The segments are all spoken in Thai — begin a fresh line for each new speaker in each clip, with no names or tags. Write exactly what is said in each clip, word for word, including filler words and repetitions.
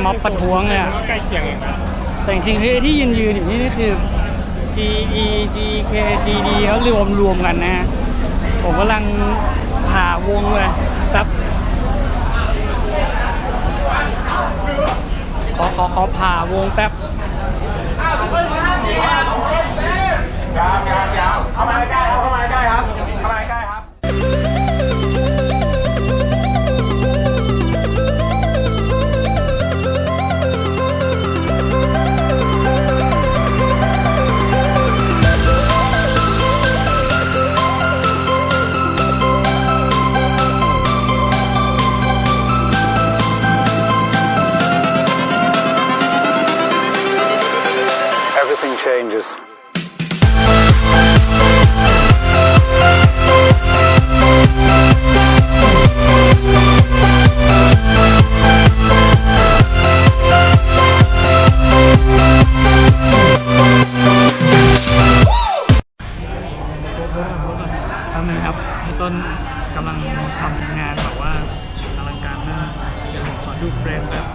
ม็อบประท้วงเนี่ย
ใกล้เคียงเอง
แต่จริงๆที่ที่ยืนยืนอยู่นี่นี่คือ จี อี จี เค จี ดี เขารวมรวมกันนะผมกำลังผ่าวงเลยครับขอขอขอผ่าวงแป๊บ
ยาวยาวยาวเข้ามาใกล้ครับเข้ามาใกล้ครับเข้ามาใกล้ครับ
Everything changes.
ทำไงครับต้นกำลังทำงานแบบว่าอลังการมากเดี๋ยวผมขอดูเฟรมแบบ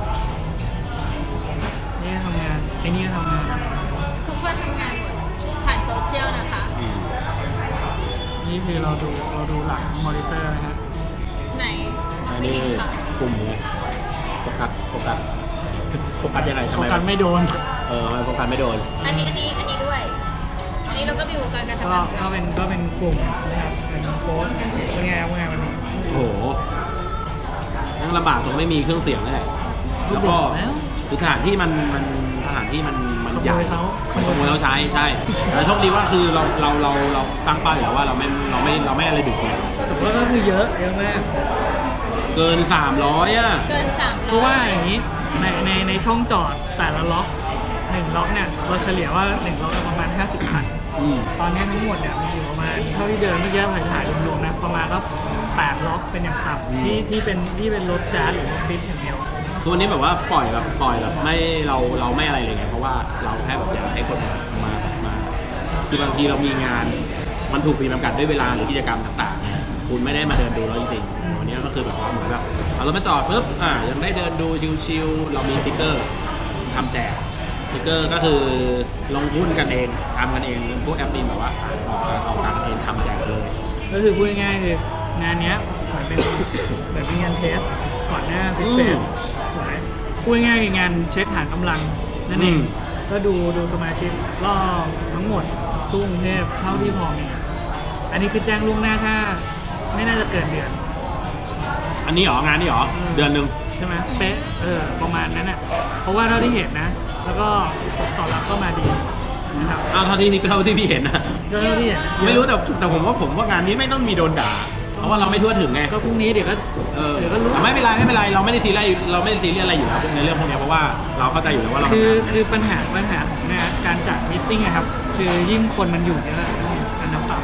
นี่ทำงานไอ้นี่ทำงาน
ทุกคนทำงานหมดผ่านโซเชียลนะคะ
นี่คือเราดูเราดูหลังมอนิเตอร์นะฮะ
ไหน
ไม่เห็นค่ะกลุ่มไงโฟกัสโฟกัสโฟกัสยังไง
โฟกัสไม่โดน
เออทำไมโฟกัสไม่โดน
อันนี้อันนี้อันนี้ด้วยอันนี้เราก็มีวงการการทำงาน
ก็เป็นก็เป็นกลุ่มนะครับเป็นโค้ดเป็นไงเป็นไงวันนี้
โอ้โหนั่งลำบากตรงไม่มีเครื่องเสียงเลยแล้วก็คือสถานที่มันมันสถานที่มันมันใหญ่ขโมยเขาใช้ใช่แต่โชคดีว่าคือเราเราเราเราตั้งเป้าอยู่แล้วว่าเราไม่เราไม่เราไม่อะไรดึกไง
แต่ว่าก็คือเยอะเยอะมาก
เกินสามร้อยอ่ะ
เกินสามร้อย
เพราะว่าอย่างนี้ในในในช่องจอดแต่ละล็อกหนึ่งล็อกเนี่ยเราเฉลี่ยว่าหนึ่งล็อกประมาณห้าสิบคันตอนนี้ทั้งหมดเนี่ยมีอยู่ประมาณเท่าที่เดินเมื่อกี้ถ่ายถ่ายรวมๆนะประมาณก็แปดล็อกเป็นอย่างต่ำที่ที่เป็นที่เป็นรถแจ๊สหรือรถฟิตอย่างเดียว
คือวันนี้แบบว่าปล่อยแบบปล่อยแบบไม่เราเราไม่อะไรเลยไงเพราะว่าเราแค่แบบอยากให้คนมามามาคือบางทีเรามีงานมันถูกปีจำกัดด้วยเวลาหรือกิจกรรมต่างๆคุณไม่ได้มาเดินดูแล้วจริงๆวันนี้ก็คือแบบว่าเหมือนแบบเอารถมาจอดปุ๊บอ่ายังได้เดินดูชิลๆเรามีสติ๊กเกอร์ทำแจกสติ๊กเกอร์ก็คือลงทุนกันเองทำกันเองพวกแอปนี้แบบว่าออกออกตังค์เองทำแจกเลย
ก็คือพูดง่ายๆคืองานนี้เหมือนเป็นเหมือนเป็นงานเทสก่อนหน้าฟิตเฟสพูดง่ายๆคืองานเช็คฐานกำลังนั่นเองก็ดูดูสมาชิกรอบทั้งหมดทั่วกรุงเทพเท่าที่พอมีอันนี้คือแจ้งล่วงหน้าถ้าไม่น่าจะเกินเดือน
อันนี้หรองานนี้หรอเดือนหนึ่ง
ใช่ไหมเป๊ะเออประมาณนั้นอ่ะเพราะว่าเท่าที่เห็นนะแล้วก็ต่อรับก็มาดีนะครับ
อ้าวเท่าที่นี่เป็นเท่าที่พี่เห็นนะ
เท่าที่เห็น
ไม่รู้แต่แต่ผมว่าผมว่างานนี้ไม่ต้องมีโดนด่าเพราะว่าเราไม่ทั่วถึงไง
ก็พรุ่งนี้เดี๋ยวก็
เดี๋ยวก็รู้ไม่เป็นไรไม่เป็นไรเราไม่ได้ซีเรียสเราไม่ได้ซีเรียสอะไรอยู่แล้วในเรื่องพวกนี้เพราะว่าเราเข้าใจอยู่แล้วว่าเรา
คือคือปัญหาปัญหาของงานการจัดมิทติ้งนะครับคือยิ่งคนมันอยู่เยอะอันน้ำต่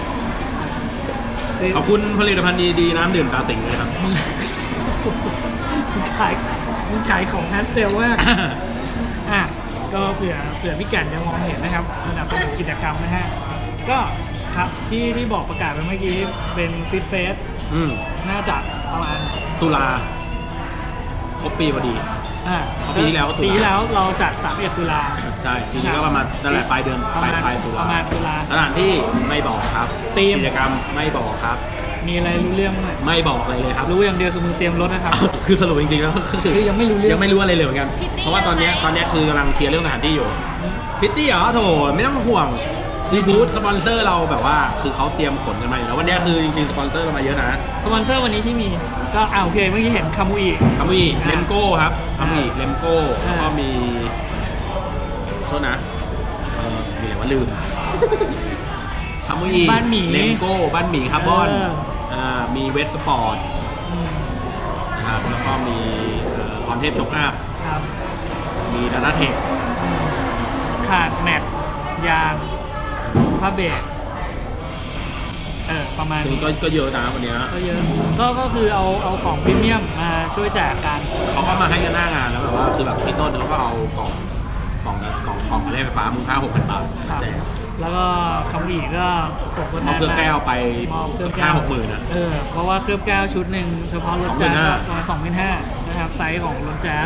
ำขอบคุณผลิตภัณฑ์ดีๆน้ำดื่มตาสิงเลยครับ
ขายขายของฮัทเซลว่าอ่ะก็เผื่อเผื่อพี่แก่นจะมองเห็นนะครับสนับสนุนกิจกรรมนะฮะก็ครับที่ที่บอกประกาศไปเมื่อกี้เป็นฟิตเฟสน่าจะประมาณ
ตุลาครบปีพอดี
อ่า
ปีที่แล้ว
ปีที่แล้วเราจัดสามสิบเอ็ดตุลา
ใช่ปีนี้ก็ประมาณนั่นแหละปลายเดือนปลายปลายตุลา
ประมาณตุลา
สถานที่ไม่บอกครับกิจกรรมไม่บอกครับ
มีอะไรรู้เรื่องไหม
ไม่บอกอะไรเลยครับ
รู้อย่างเดียวคือมึงเตรียมรถนะครับ
คือสรุปจริงๆแล้ว
คือยังไม่รู้เรื่อง
ยังไม่รู้อะไรเลยเหมือนกันเพราะว่าตอนนี้ตอนนี้คือกำลังเคลียร์เรื่องสถานที่อยู่พิตตี้เหรอโถไม่ต้องห่วงคือบูธสปอนเซอร์เราแบบว่าคือเขาเตรียมขนกันมาแล้ววันนี้คือจริงๆสปอนเซอร์เรามาเยอะนะ
สปอนเซอร์วันนี้ที่มีก็อ่าโอเคเมื่อกี้เห็นคามูอิ
คามูอิเลมโก้ครับคามูอิเลมโก้แล้วก็มีโทษนะเออมีอะไรวะลืมคามูอิ
บ้านหมี
เลมโก้บ้านหมีคาร์บอนอ่ามีเวสสปอร์ตนะครับแล้วก็มีคอนเทนต์โชคอัพมีดาต้าเทค
ขาดแมทยางผ้าเบรกเออประมาณ
นี้ก็เยอะนะวันนี้
ก็เยอะก็ก็คือเอาเอาของพรีเมียมมาช่วยแจกกัน
เขาก็มาให้กันหน้างานแล้วแบบว่าคือแบบพี่ต้นเขาก็เอากล่องกล่องกล่องกล่องอะไรไฟฟ้ามูลค่าหกพันบาทแจก
แล้วก็คำอีกก็ส่งตัวแทน
เครื่องแก้วไปห้าหกหมื่นนะ
เออเพราะว่าเครื่องแก้วชุดหนึ่งเฉพาะรถแจ๊สประมาณสองพันห้านะครับไซส์ของรถแจ๊สนะ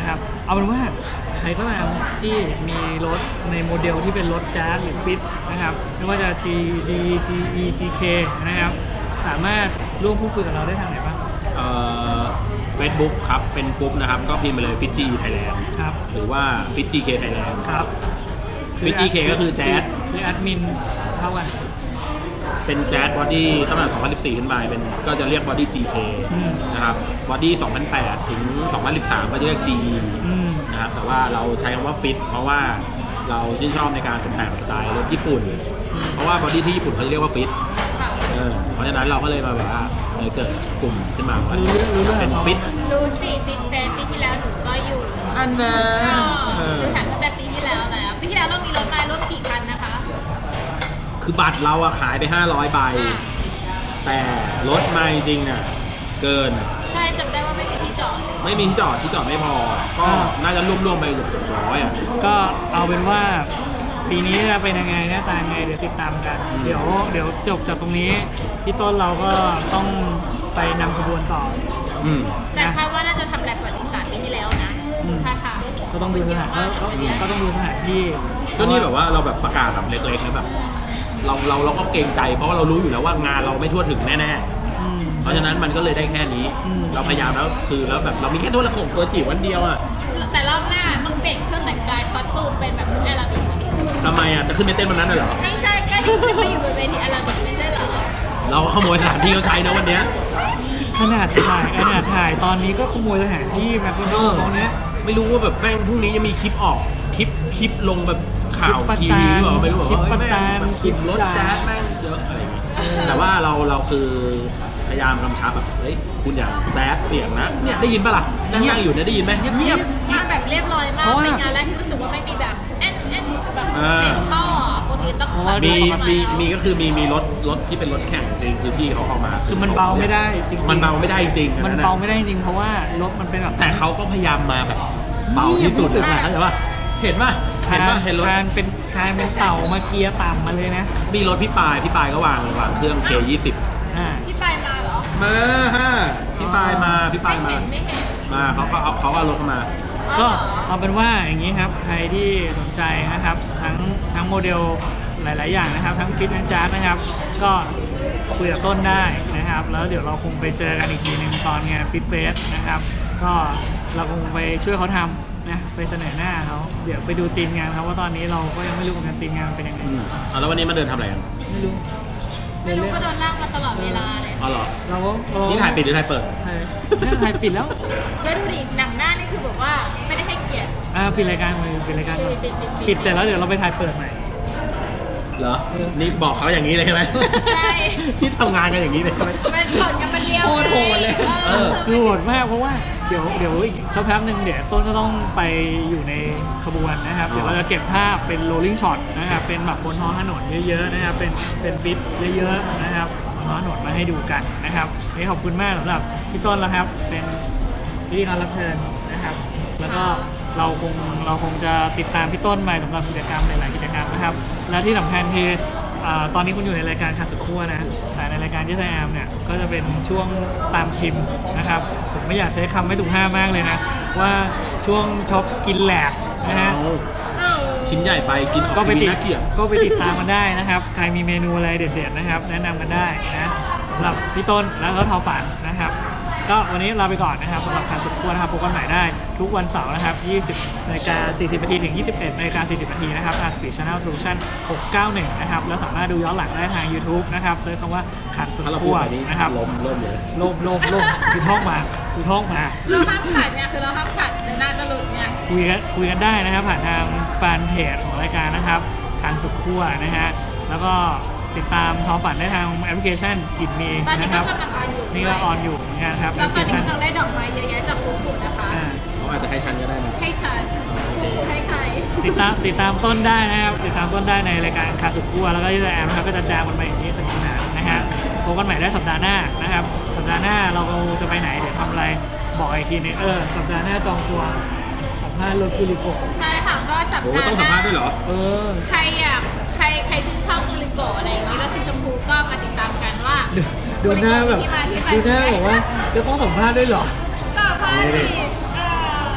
นะครับเอาเป็นว่าใครก็ตามที่มีรถในโมเดลที่เป็นรถแจ๊สหรือฟิตนะครับไม่ว่าจะ จี ดี จี อี จี เค นะครับสามารถร่วมพูดคุยกับเราได้ทางไหนบ้าง
เอ่อ Facebook ครับเป็นกลุ่มนะครับก็พิมพ์ไปเลย Fit จี Thailand
ครับ
หรือว่า Fit จี เค Thailand
ครับ
Fit จี เค ก็คือแจ๊ส
คือแอดมินเท่ากัน
เป็นแจ๊สบอดี้ตั้งแต่สองพันสิบสี่ขึ้นไปเป็นก็จะเรียกบอดี้ จี เค
อืม
นะครับบอดี้สองพันแปดถึงสองพันสิบสามก็จะเรียก จี อี
อืม
นะครับแต่ว่าเราใช้คำว่าฟิตเพราะว่าเราชื่นชอบในการตกแต่งสไตล์รถญี่ปุ่น เพราะว่าบอดี้ที่ญี่ปุ่นเขาจะเรียกว่าฟิต
ค่ะ
เออเพราะฉะนั้นเราก็เลยมาแบบว่าเออเกิดกลุ่มขึ้นมาว่า
รู้เรื่องรู้เรื่อง
เป็น
ของเขา
ฟิต
ดูสิฟิตเฟสปีที่แล้วหนูก็อยู่
อันนั้น
ก็ดูถังตั้งแต่ปีที่แล้วแล้วปีที่แล้วเรามีรถมาร่วมกี่คันนะคะ
คือบัตรเราอะขายไปห้าร้อยใบ
อ่า
แต่รถมาจริงๆน่ะเกิน
ใช่จำได้ว่าไม่มีที่จอด
ไม่มีที่จอดที่จอดไม่พอ ก็น่าจะรวมๆไปเกือบสองร้อยอ่ะ
ก็เอาเป็นว่าปีนี้จะเป็นยังไงหน้าตายังไงเดี๋ยวติดตามกัน เดี๋ยวเดี๋ยวจบจากตรงนี้พี่ต้นเราก็ต้องไปนำขบวนต่อ
อืม
แต่คาดว่าน่าจะทำแบบประวัติศาสตร์ปีที่แล้วนะ
อืม
ค่ะค่ะ
ก็ต้องดูสถานก็ก็ก็ต้องดูสถานที่
ก็นี่แบบว่าเราแบบประกาศแบบเล็กๆนะแบบเราเราเราก็เกรงใจเพราะว่าเรารู้อยู่แล้วว่างานเราไม่ทั่วถึงแน่ๆ
อืม
เพราะฉะนั้นมันก็เลยได้แค่นี้
อืม
เราพยายามแล้วคือแล้วแบบเรามีแค่ตัวละครตัวจิ๋ววันเดียวอ่ะ
แต่รอบหน้าต้องเปลี่ยนเครื่องแต่งกายคอสตูมเป็นแบบชุดอาราบิก
ทำไมอ่ะจะขึ้นไปเต้นวันนั้นน่ะเหรอ
ไม่ใช่ก็ที่ขึ้นไปอยู่บนเวทีอาราบิกไม่ใช่เหรอ
เราขโมยสถานที่เขาใช้นะวันเนี้ย
ขนาดถ่ายขนาดถ่ายตอนนี้ก็ขโมยสถานที่แมคโดนัลด์เขาเนี้ย
ไม่รู้ว่าแบบแม่งพรุ่งนี้จะมีคลิปออกคลิปคลิปลงแบบข่าว
คลิปประ
ที
จา
วี
น
หรือเปล่าไม่รู้แบบ
คลิป
ว่า
ประจาน
แม่งแบบ
คลิป
รถ
ด่า
แจ๊สแม่งเยอะอะไรอย่างเงี้ยแต่ว่าเราเราคือพยายามกำชับแบบเฮ้ยคุณอย่าแจ๊สเสียงนะเนี่ยได้ยินปะล่ะนั่งนั่งอยู่เนี่ยได้ยินไหมเงียบ
มาแบบเรียบร้อยมาก
เพราะว่า
เป็นงานแรกที่รู้สึกว่าไม่มีแบบแอนแอนแบบ
อ่า
เสียงท่อปกติต้อง
เพราะว่า
แบบ
มี
เรียบร้อย
มี
แล้ว
มีก็คือมีมีรถรถที่เป็นรถแข่งจริงคือพี่เขาเอามา
คือมันเบาไม่ได้จริงๆ
มันเบาไม่ได้จริง
มัน
อัะ
เบาไม่ได้จริงเพราะว่ารถมันเป็นแบบ
แต่เขาก็พยายามมาแบบเบาที่สุดนะเข้าใจป่ะเห็นป่ะเห็น
คาน
ป่ะเห็นรถ
คานเป็นคานเป็นเต่ามาเกียร์ต่ำมาเลยนะ
มีรถพี่ปายพี่ปายก็วางวางเครื่อง เค ยี่สิบ
อ่า
พี่ไปมาเหรอ
มาฮะพี่ปายมาพี่ปาย
ไม่
มา
เห็นไม่เห็น
มาเขาก็เอาเขาก็เอารถเข้ามา
อ๋อ
ก็
เหรอ
เอาเป็นว่าอย่างนี้ครับใครที่สนใจนะครับทั้งทั้งโมเดลหลาย ๆ อย่างนะครับทั้งฟิตและจาร์ดนะครับ ก็คุยกับต้นได้นะครับ แล้วเดี๋ยวเราคงไปเจอกันอีกทีหนึ่งตอนงานฟิตเฟสนะครับ ก็เราคงไปช่วยเขาทำนะไปเสนอหน้าเขาเดี๋ยวไปดูทีมงานเขาว่าตอนนี้เราก็ยังไม่รู้เหมือนกันทีมงานเป็นยังไง
อืมเอาแล้ววันนี้มาเดินทำอะไรกัน
ไม่รู้
ไม่รู้ก็โดนลากมาตลอดเวลาเลย
อ๋อเหรอ
เราก็เร
นี่ถ่ายปิดหรือถ่ายเปิด
ถ่ายเนี่ยถ่ายปิดแล้ว
แล้วดูดิหนังหน้านี่คือแบบว่าไม่ได้ให้เกียรติ
อ่าปิดรายการเลยปิดรายการก่อน
ปิดปิดปิด
ปิดเสร็จแล้วเดี๋ยวเราไปถ่ายเปิดใหม่
เหรอ นี่บอกเขาอย่างนี้เลยใช่ไหม
ใช่
ที่ทำงานกันอย่างนี้เลยใช่ไหม
มันสอนกันมันเลี้ยว
โคตรโหดเลย
เออ
คือโหดมากเพราะว่าเดี๋ยวเดี๋ยวอีกสักแป๊บหนึ่งเดี๋ยวต้นก็ต้องไปอยู่ในขบวนนะครับ เดี๋ยวเราจะเก็บภาพเป็น rolling shot นะครับเป็นแบบบนท้องถนนเยอะๆนะครับเป็นเป็นฟิตเยอะๆนะครับบนท้องถนนมาให้ดูกันนะครับวันนี่ขอบคุณมากสำหรับพี่ต้นแล้วครับ เป็นพิธีกรรับเชิญนะครับ แล้วก็เราคงเราคงจะติดตามพี่ต้นไปสำหรับกิจกรรมหลายๆกิจกรรมนะครับ และที่สำคัญคืออ่าตอนนี้คุณอยู่ในรายการขาดสุดขั้วนะแต่ในรายการที่ไทยแอมเนี่ยก็จะเป็นช่วงตามชิมนะครับผมไม่อยากใช้คำไม่ถูกห้ามมากเลยนะว่าช่วงช็อปกินแหลกนะฮะ
เอาชิ้นใหญ่ไปกิน
ก็ไปติด
น่าเกลียด
ก็ไปติดตามกันได้นะครับใครมีเมนูอะไรเด็ดๆนะครับ แนะนำกันได้นะสำหรับพี่ต้นแล้วก็ทอฝันนะครับ ก็วันนี้ลาไปก่อนนะครับสำหรับการสุดขั้วนะครับพบกันใหม่ได้ทุกวันเสาร์นะครับยี่สิบนาฬิกาสี่สิบนาทีถึงยี่สิบเอ็ดนาฬิกาสี่สิบนาทีนะครับทาง Speed Channel Solution หกเก้าหนึ่งนะครับแล้วสามารถดูย้อนหลังได้ทาง YouTube นะครับเซิร์ชคำว่าขันสุด
ถ้าเราพู
ขั้
ด
ว
แบบนี้
นะครับ
ล้มเริ่มเลย
โลมโลมโลมคือท่องมาคือท่องมา
เราห้ามขัดเนี่ยคือเราห้ามขัดในหน้าจะหลุดเนี่ย
คุยกันคุยกันได้นะครับผ่านทางแฟนเพจของรายการนะครับทางสุดขั้วนะฮะแล้วก็ติดตามทอฝันได้ทางแอปพลิเคชันอิดมี
ตอนนี้
นะค
ก็
รับ
กำลังออนอยู่
นี่ก็ออนอยู่เหมือนกันครับแอ
แล้
ป
ว
พลิ
ต
เค
อนนี้
ชัน
กำลังได้ดอกไม้เยอะแยะจากปุ๊บปุ๊บนะคะ
อ่า
เขาอาจจะให้ฉันก็ได้นะ
ให้ฉันปุ๊บปุ๊บให้ใคร
ติดตามติดตามต้นได้นะครับติดตามต้นได้ในรายการคาสุดขั้วแล้วก็ที่ไทยแอมนะครับก็จะจามกันไปอย่างนี้สนุกสนานนะฮะพบกันใหม่ได้สัปดาห์หน้านะครับสัปดาห์หน้าเราจะไปไหนเดี๋ยวทำอะไรบอกอีกทีนึงเออสัปดาห์หน้าจองตัวสัมภาษณ์รถคุริโกะ
ใช่ค่ะก็สัป
โอ้
ดาห์
ต้องสัมภาษณ์ด้วยเหรอ
เออ
ใครอยากใครใครชื่นชอบกุลิโกะอะไรอย่างนี้แล้วสีชมพูก็มาติดตามกันว่า
ดูดูหน้าแบบ
ที่มาที่ไป
ดูหน้าบอกว่าจะต้องสัมภาษณ์ด้วยเหรอ
สัมภาษณ์สิเออ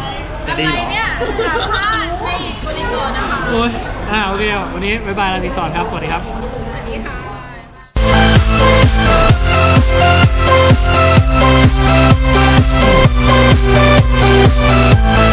จะ
อะไร
ดีเหรอ
เนี่ยสามภาษณ์ในกุลิโกะนะคะ
โอ้ยอ่าโอเควันนี้บ๊ายบายลารีสอร์ทครับ สวัสดีครับ
สวัสดีค่ะ